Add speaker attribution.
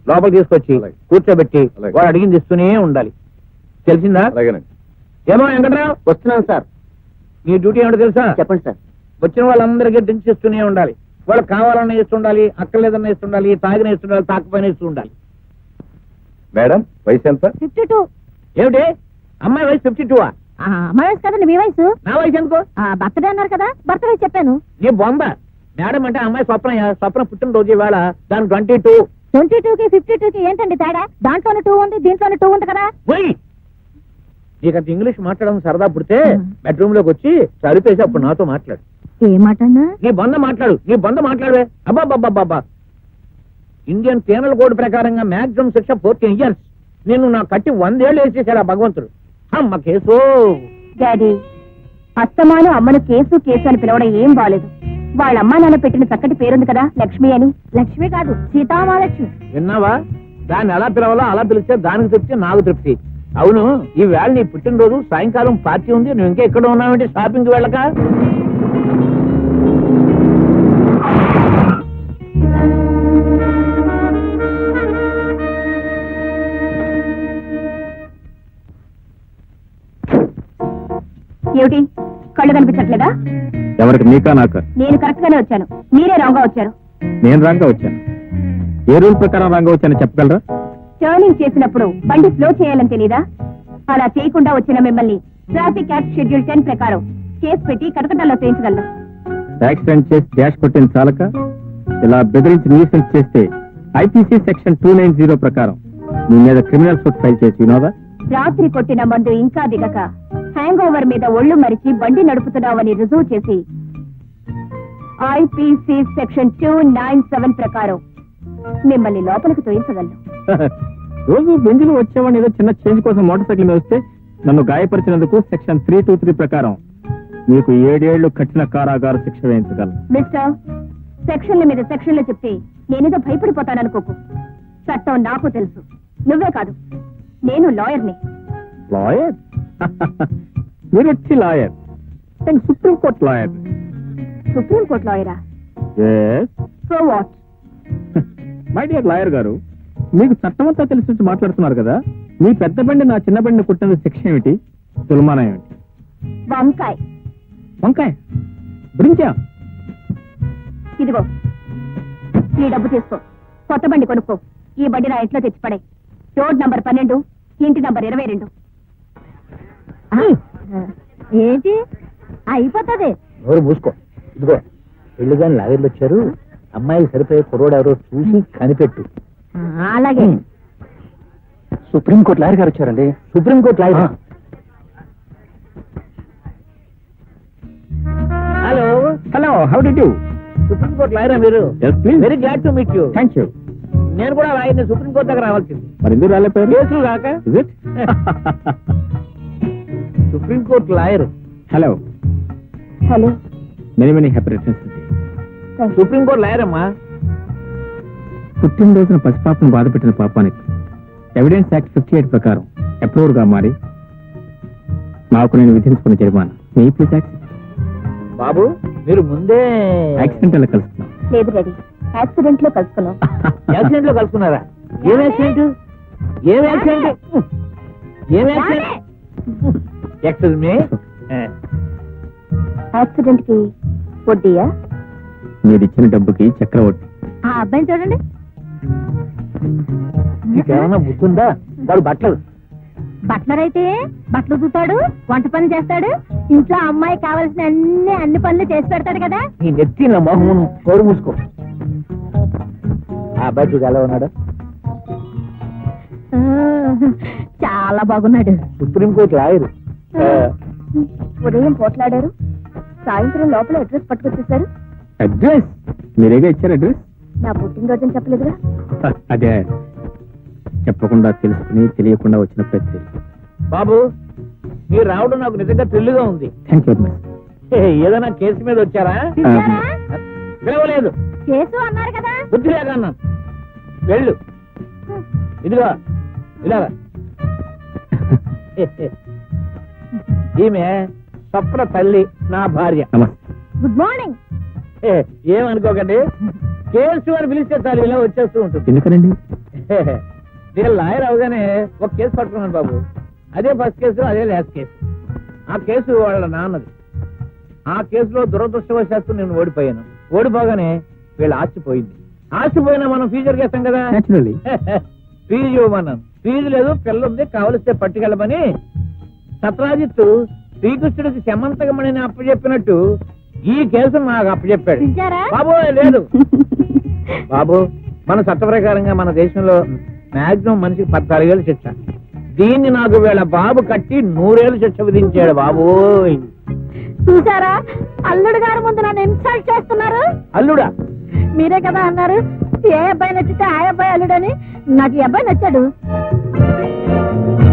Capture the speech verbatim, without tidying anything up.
Speaker 1: లోపలికి తీసుకొచ్చి కూర్చోబెట్టి వాడు అడిగింది ఇస్తూనే ఉండాలి. తెలిసిందా? ఏమో వెంకట్రావు,
Speaker 2: వస్తున్నాను సార్.
Speaker 1: నీ డ్యూటీ ఏమిటో తెలుసా?
Speaker 2: చెప్పండి సార్.
Speaker 1: వచ్చిన వాళ్ళందరికీ డ్రింక్స్ ఇస్తూనే ఉండాలి. వాళ్ళకి కావాలన్నా ఇస్తుండాలి, అక్కర్లేదన్నా ఇస్తుండాలి, తాగిన ఇస్తుండాలి, తాకపోయినా ఇస్తూ ఉండాలి.
Speaker 3: మేడం వయసు ఎంత?
Speaker 4: Fifty two.
Speaker 1: ఏమిటి అమ్మాయి వయసు ఫిఫ్టీ టూ?
Speaker 4: అమ్మాయి వయసు కదండి మీ వయసు.
Speaker 1: నా వయసు ఎందుకో?
Speaker 4: బర్త్డే అన్నారు కదా, బర్త్డే చెప్పాను.
Speaker 1: నీ బొంద. మేడం అంటే అమ్మాయి స్వప్న, స్వప్న పుట్టినరోజు ఇవాళ, దాని ట్వంటీ టూ.
Speaker 4: ట్వంటీ టూ కి ఫిఫ్టీ టూ కి ఏంటండి తేడా? దాంట్లోనే టూ ఉంది, దీంట్లోనే టూ ఉంది కదా.
Speaker 1: పోయి నీకంత ఇంగ్లీష్ మాట్లాడడం సరదా పుడితే బెడ్రూమ్ లోకి వచ్చి సరిపేసి అప్పుడు నాతో మాట్లాడు.
Speaker 4: ఏ మాట అన్నా?
Speaker 1: నీ బంద మాట్లాడు, నీ బంద మాట్లాడవే. అబ్బాబ్బాబ్బా, ఇండియన్ పీనల్ కోడ్ ప్రకారంగా మాక్సిమం శిక్ష ఫోర్టీన్ ఇయర్స్. నేను నా కట్టి వందేళ్లు వేసేసాడు ఆ భగవంతుడు. అమ్మ కేసు.
Speaker 4: డాడీ, అత్తమాను అమ్మను కేసు కేసు అని పిలవడం ఏం బాలేదు. వాళ్ళ అమ్మా నాన్న పెట్టిన చక్కటి పేరుంది కదా, లక్ష్మి అని. లక్ష్మి కాదు, సీతామహాలక్ష్మి.
Speaker 1: విన్నావా? దాన్ని ఎలా పిలవాలో అలా పిలిస్తే దానికి తృప్తి, నాకు తృప్తి. అవును, ఈ వేళ నీ పుట్టినరోజు, సాయంకాలం పార్టీ ఉంది, నువ్వు ఇంకా ఎక్కడ ఉన్నావంటే షాపింగ్కి వెళ్ళక.
Speaker 4: ఏమిటి కళ్ళు కనిపించట్లేదా?
Speaker 3: ఎవరికి, నీకా నాకా?
Speaker 4: నేను కరెక్ట్ గానే వచ్చాను, మీరే రాంగ్ గా వచ్చారు.
Speaker 3: నేను రాంగ్ గా వచ్చాను. ఏ రూల్ ప్రకారం రాంగ్ గా వచ్చాను చెప్పగలరా?
Speaker 4: టర్నింగ్ చేసినప్పుడు బండి స్లో చేయాలని తెలీదా? అలా చేయకుండా వచ్చిన మిమ్మల్ని ట్రాఫిక్ యాక్ట్ షెడ్యూల్ టెన్ ప్రకారం కేసు పెట్టి కటకటాల్లో చేయించగలను.
Speaker 3: యాక్సిడెంట్ చేసి డాష్ కొట్టిన చాలక ఇలా బెదిరించి న్యూసెన్స్ చేస్తే IPC section two nine zero ప్రకారం మీ మీద క్రిమినల్ సూట్ ఫైల్ చేసి వినోదా?
Speaker 4: రాత్రి కొట్టిన మందు ఇంకా దిగక హ్యాంగ్ ఓవర్ మీద ఒళ్ళు మరిచి బండి నడుపుతున్నావని రుజువు చేసి IPC section two nine seven ప్రకారం మిమ్మల్ని లోపలికి తోయించగలను.
Speaker 3: రోజు బెంజులు వచ్చేవాడిని ఏదో చిన్న చేంజ్ కోసం మోటార్ సైకిల్ మీద వస్తే నన్ను గాయపరిచినందుకు సెక్షన్ త్రీ టూ త్రీ ప్రకారం మీకు ఏడేళ్లు కఠిన కారాగార శిక్ష వేయించగలను.
Speaker 4: మిస్టర్, సెక్షన్ల మీద సెక్షన్లు చెప్తే నేనేదో భయపడిపోతాననుకోకు. చట్టం నాకు తెలుసు, నువ్వే కాదు, నేను లాయర్ని.
Speaker 3: లాయర్? మీరు వచ్చి లాయర్? నేను సుప్రీంకోర్టు లాయర్.
Speaker 4: సుప్రీంకోర్టు లాయరా? So what?
Speaker 3: My dear lawyer గారు, మీకు చట్టమంతా తెలిసి మాట్లాడుతున్నారు కదా. మీ పెద్ద బండి నా చిన్న బండిని కుట్టిన శిక్ష ఏమిటి, తులమానం ఏమిటి?
Speaker 4: వంకాయ.
Speaker 3: వంకాయ బ్రింకా?
Speaker 4: ఇదిగో ఈ డబ్బు తీసుకో, కొత్త బండి కొనుక్కో. ఈ బండి నా ఇంట్లో తెచ్చిపడే. రోడ్ నంబర్ పన్నెండు, ఇంటి నంబర్ ఇరవై రెండు. ఏంటి అయిపోతుంది?
Speaker 1: ఎవరు మూసుకో. ఇదిగో పెళ్లి గాని లాగర్లు వచ్చారు, అమ్మాయికి సరిపోయే కుర్రోడు ఎవరో చూసి కనిపెట్టు.
Speaker 4: అలాగే.
Speaker 2: సుప్రీంకోర్టు లాయర్ గారు వచ్చారండి.
Speaker 1: Supreme court lawyer? Hello
Speaker 3: hello, how do you?
Speaker 1: Supreme court లాయరా మీరు? Very glad to meet you.
Speaker 3: Thank you.
Speaker 1: నేను కూడా లాయర్ని, సుప్రీంకోర్టు దగ్గర రావాల్సింది.
Speaker 3: మరి ఎందుకు రాలేపోయారు?
Speaker 1: కేసులు కాక. Supreme court lawyer.
Speaker 3: Hello
Speaker 4: hello,
Speaker 3: many many happy returns.
Speaker 1: Supreme court lawyer అమ్మా.
Speaker 3: పుట్టినరోజున పసిపాపను బాధ పెట్టిన పాపానికి ఎవిడెన్స్ యాక్ట్ ఫిఫ్టీ ఎయిట్ ప్రకారం అప్రూవ్డ్ గా మారి నాకు నేను విధించుకున్న జరిమానా మీ ప్లీజ్ యాక్ట్.
Speaker 1: బాబు మీరు ముందే
Speaker 3: యాక్సిడెంట్ అలా కలుస్తున్నాం.
Speaker 4: లేదు డాడీ, యాక్సిడెంట్ లో కలుసుకున్నాం.
Speaker 1: యాక్సిడెంట్ లో కలుసుకున్నారా? ఏం యాక్సిడెంట్? ఏం యాక్సిడెంట్? ఏం యాక్సిడెంట్? Excuse me.
Speaker 4: యాక్సిడెంట్ కి వడ్డీయా?
Speaker 3: మీరు ఇచ్చిన డబ్బుకి చక్రవడ్డీ.
Speaker 4: ఆ అబ్బాయిని చూడండి.
Speaker 1: నీకేమన్నా బుద్ధుందా? వాడు బట్టలు
Speaker 4: బట్లర్ అయితే బట్టలు చూతాడు, వంట పని చేస్తాడు, ఇంట్లో అమ్మాయి కావాల్సిన అన్ని అన్ని పనులు చేసి పెడతాడు కదా.
Speaker 1: నీ నెత్తి నా మొహం కోరు మూసుకో. ఆ అబ్బాయి చూడు ఎలా ఉన్నాడు?
Speaker 4: చాలా బాగున్నాడు.
Speaker 1: Supreme court lawyer.
Speaker 4: ఉదయం పోట్లాడారు, సాయంత్రం లోపల అడ్రస్ పట్టుకొచ్చేసారు.
Speaker 3: అడ్రస్ మీరేగా ఇచ్చారు అడ్రస్?
Speaker 4: నా పుట్టినరోజు చెప్పలేదుగా.
Speaker 3: అదే చెప్పకుండా తెలుసుకుని తెలియకుండా వచ్చిన ప్రతి.
Speaker 1: బాబు మీరు రావడం నాకు నిజంగా థ్రిల్గా ఉంది.
Speaker 3: Thank you very much.
Speaker 1: ఏదైనా కేసు మీద వచ్చారా? పిలవలేదు.
Speaker 4: కేసు అన్నారు కదా.
Speaker 1: బుద్ధి లేక అన్నాను. వెళ్ళు. ఇదిగో ఇలాగా. ఈమె స్వప్న తల్లి, నా భార్య.
Speaker 4: Good morning.
Speaker 1: ఏమనుకోకండి, కేసు అని పిలిస్తే చాలు ఇలా వచ్చేస్తూ ఉంటుంది.
Speaker 3: ఎందుకనండి?
Speaker 1: నేను లాయర్ అవగానే ఒక కేసు పట్టుకున్నాను బాబు. అదే ఫస్ట్ కేసు, అదే లాస్ట్ కేసు. ఆ కేసు వాళ్ళ నాన్నది. ఆ కేసులో దురదృష్టవశాత్తు నేను ఓడిపోయాను. ఓడిపోగానే వీళ్ళ ఆస్తి పోయింది. ఆస్తి పోయినా మనం ఫీజు చేస్తాం కదా,
Speaker 3: నేచురల్లీ.
Speaker 1: ఫీజు ఇవ్వమన్నాను. ఫీజు లేదు, పిల్ల ఉంది, కావలిస్తే పట్టుకెళ్ళమని సత్రాజిత్తు శ్రీకృష్ణుడికి శమంతకమణిని అప్పచెప్పినట్టు ఈ కేసు నాకు అప్పచెప్పాడు. బాబు లేదు బాబు, మన చట్ట ప్రకారంగా మన దేశంలో మాక్సిమం మనిషికి పద్నాలుగేళ్ళు శిక్ష. దీన్ని నాకు వీళ్ళ బాబు కట్టి నూరేళ్ళు శిక్ష విధించాడు బాబు.
Speaker 4: చూసారా, అల్లుడు గారు ముందు నన్ను ఇన్సల్ట్ చేస్తున్నారు.
Speaker 1: అల్లుడా?
Speaker 4: మీరే కదా అన్నారు ఏ అబ్బాయి నచ్చితే ఆ అబ్బాయి అల్లుడని. నాకు ఈ అబ్బాయి నచ్చాడు.